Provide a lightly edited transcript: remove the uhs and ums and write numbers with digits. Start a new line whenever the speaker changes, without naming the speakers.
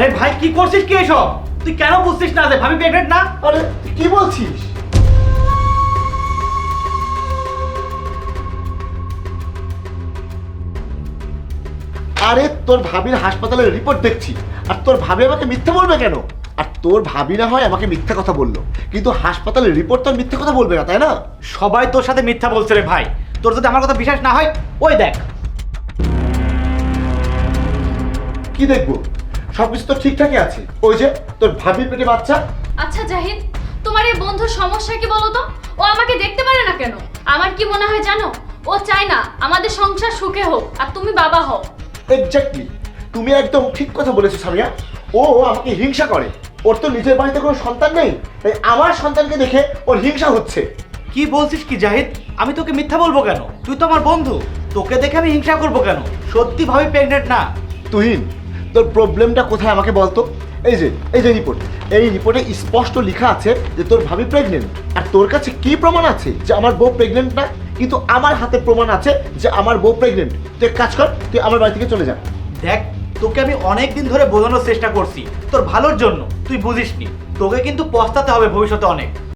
আরে ভাই কি করছিস কি এসব? তুই কেন বুঝছিস না যে ভাবি প্রেগনেন্ট না?
আরে কি বলছিস? আরে তোর ভাবির হাসপাতালের রিপোর্ট দেখছি, আর তোর ভাবি আমাকে মিথ্যা বলবে কেন? আর তোর ভাবি না হয় আমাকে মিথ্যা কথা বললো, কিন্তু হাসপাতালের রিপোর্ট তো আর মিথ্যা কথা বলবে না, তাই না?
সবাই তোর সাথে মিথ্যা বলছে রে ভাই। তোর যদি আমার কথা বিশ্বাস না হয় ওই দেখ।
কি দেখবো? সবকিছু তো ঠিকঠাকই আছে। ওই যে তোর ভাবির পেটে বাচ্চা।
আচ্ছা জাহিদ, তোমার এই বন্ধুর সমস্যা কি বলো তো? ও আমাকে দেখতে পারে না কেন? আমার কি মনে হয় জানো, ও চায় না আমাদের সংসার সুখে হোক আর তুমি বাবা হও।
এক্স্যাক্টলি, তুমি একদম ঠিক কথা বলেছো সামিয়া। ও আমাকে হিংসা করে। ওর তো নিজের বাড়িতে কোনো সন্তান নেই, তাই আমার সন্তানকে দেখে ওর হিংসা হচ্ছে।
কি বলছিস কি জাহিদ? আমি তোকে মিথ্যা বলবো কেন? তুই তো আমার বন্ধু, তোকে দেখে আমি হিংসা করবো কেন? সত্যি ভাবি প্রেগনেন্ট না।
তুহিন, তোর প্রবলেমটা কোথায় আমাকে বলতো? এই যে রিপোর্ট, এই রিপোর্টে স্পষ্ট লেখা আছে যে তোর ভাবি প্রেগনেন্ট। আর তোর কাছে কি প্রমাণ আছে যে আমার বউ প্রেগনেন্ট না? কিন্তু আমার হাতে প্রমাণ আছে যে আমার বউ প্রেগনেন্ট। তুই এক কাজ কর, তুই আমার বাড়ি থেকে চলে যা।
দেখ, তোকে আমি অনেক দিন ধরে বোঝানোর চেষ্টা করছি তোর ভালোর জন্য, তুই বুঝিসনি। তোকে কিন্তু পস্তাতে হবে ভবিষ্যতে অনেক।